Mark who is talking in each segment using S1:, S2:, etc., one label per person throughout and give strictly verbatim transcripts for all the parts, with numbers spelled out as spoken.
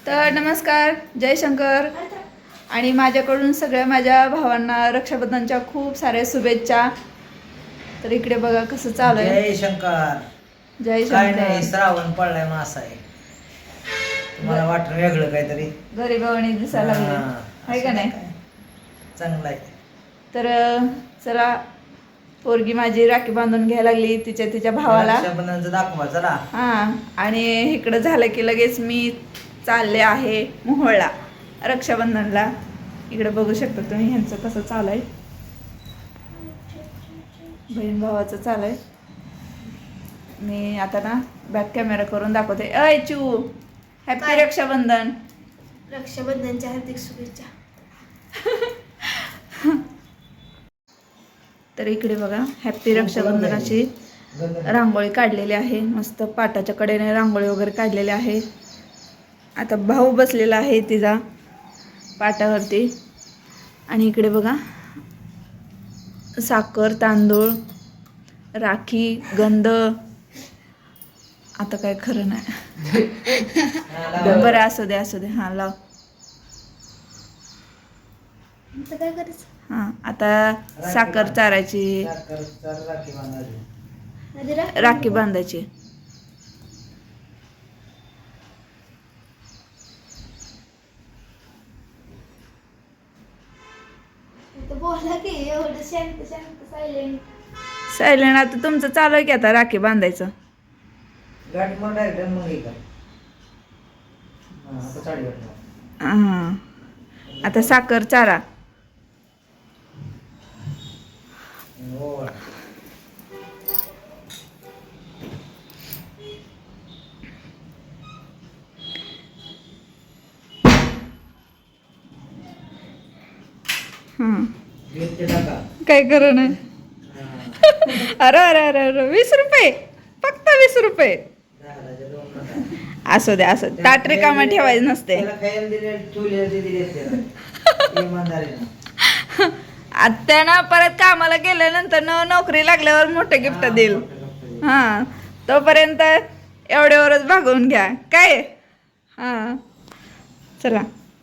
S1: तर नमस्कार, जय शंकर. आणि माझ्याकडून सगळ्या माझ्या भावांना रक्षाबंधनच्या खूप साऱ्या शुभेच्छा. तर इकडे बघा कसं चालू आहे.
S2: जय शंकर.
S1: जय
S2: काय नाही,
S1: शंकर.
S2: श्रावण पडलाय मासा आहे. तुम्हाला वाटलं वेगळं काहीतरी,
S1: गरीबावानी दिसायला लागले आहे का नाही?
S2: चांगलं आहे.
S1: तर चला, पोरगी माझी राखी बांधून घ्यायला लागली तिच्या तिच्या भावाला.
S2: रक्षाबंधनचं दाखवा चला.
S1: हा, आणि इकडं झालं की लगेच मी चालले आहे मोहोळला रक्षाबंधनला. इकडे बघू शकता तुम्ही ह्यांचं कसं चालू आहे, बहीण भावाचं चालू आहे. मी आता ना बॅक कॅमेरा करून दाखवते. अय चू, हॅपी रक्षाबंधन.
S3: रक्षाबंधनच्या हार्दिक शुभेच्छा.
S1: तर इकडे बघा हॅपी रक्षाबंधनाची रांगोळी काढलेली आहे. मस्त पाटाच्या कडेने रांगोळी वगैरे काढलेली आहे. आता भाऊ बसलेला आहे तिचा पाटावरती. आणि इकडे बघा साखर, तांदूळ, राखी, गंध. आता काय खरं नाही. बरं असू दे असू दे. हां लाव.
S3: आता काय करायचं?
S1: हां, आता साखर चारायची,
S3: आधी रा-
S1: राखी बांधायची.
S3: आता बोला की एवढं शांत शांत सायलेंट.
S1: सायलेंट. आता तुमचं चालू आहे की आता राखी बांधायचं.
S2: गाठ मग डायरेक्ट मग हे कर. हा, आता साडी घाल.
S1: हां, आता साखर चारा.
S2: हो.
S1: हां,
S2: गिफ्ट टाका.
S1: काय करू नाही. अरे अरे अरे अरे वीस रुपये, फक्त वीस रुपये.
S2: दादाच्या दोन नका.
S1: असू दे असू दे. ताट रिकामा ठेवायचं नसते.
S2: त्याला खायला दिले, ठेवले ते दिले त्याला. इमानदारीनं.
S1: आत्यानं परत कामाला गेल्यानंतर न नोकरी लागल्यावर मोठं गिफ्ट देईल. हां, तोपर्यंत एवढ्यावरच भागवून घ्या काय. हां, चला.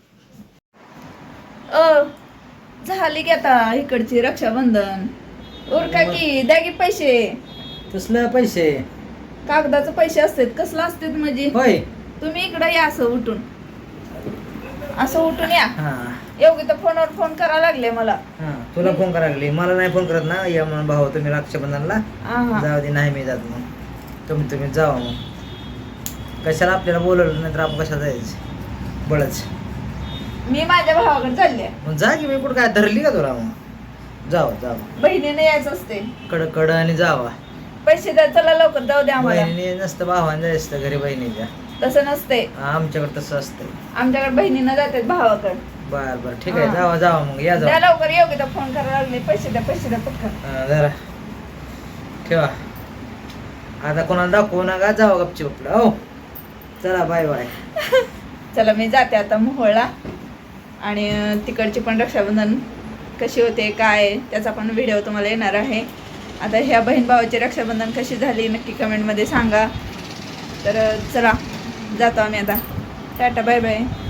S1: अ झाली की आता इकडची रक्षाबंधन. उरका की, द्या की पैसे.
S2: तसलं पैसे
S1: कागदाचे पैसे असतात. कसलं असतात म्हणजे?
S2: होय.
S1: तुम्ही इकडं या, असं उठून असं उठून या.
S2: हा
S1: योगी तर फोनवर फोन करायला लागले मला.
S2: हा, तुला फोन करायला लागली, मला नाही फोन करत ना. या म्हणून भाऊ तुम्ही रक्षाबंधनला
S1: आहा.
S2: जाऊ दे. नाही मी जात. मग तुम्ही तुम्ही जावा. मग कशाला आपल्याला बोलवलं नाही तर आपण कशाला जायचं बळच.
S1: मी माझ्या भावाकडे चालले.
S2: मग जा की. मी कुठं काय धरली का तुला? मग जावा जावा.
S1: बहिणीने यायचं असते.
S2: कड कड आणि जावा.
S1: पैसे द्या, चला लवकर जाऊ द्या आम्हाला.
S2: बहिणीने नसतं भावाने जायचं असतं घरी बहिणीच्या.
S1: तसं नसते
S2: आमच्याकडे तसं असतं.
S1: आमच्याकडे. बहिणीनं जातात भावाकडे.
S2: बर बर ठीक आहे.
S1: हा.
S2: जावा जावा. मग या
S1: द्या
S2: जावा.
S1: लवकर. योगी तर फोन करायला लागले. पैसे द्या पैसे द्या पटकन.
S2: हा, जरा ठेवा. आता कोणाला दाखवू नका. जावा गपची आपलं. हो चला बाय बाय.
S1: चला मी जाते आता मोहोळला. आणि अं, तिकडची पण रक्षाबंधन कशी होते काय त्याचा पण व्हिडिओ तुम्हाला येणार आहे. आता ह्या बहीण भावाची रक्षाबंधन कशी झाली नक्की कमेंटमध्ये सांगा. तर अं, चला जातो आम्ही आता. Tata bye bye.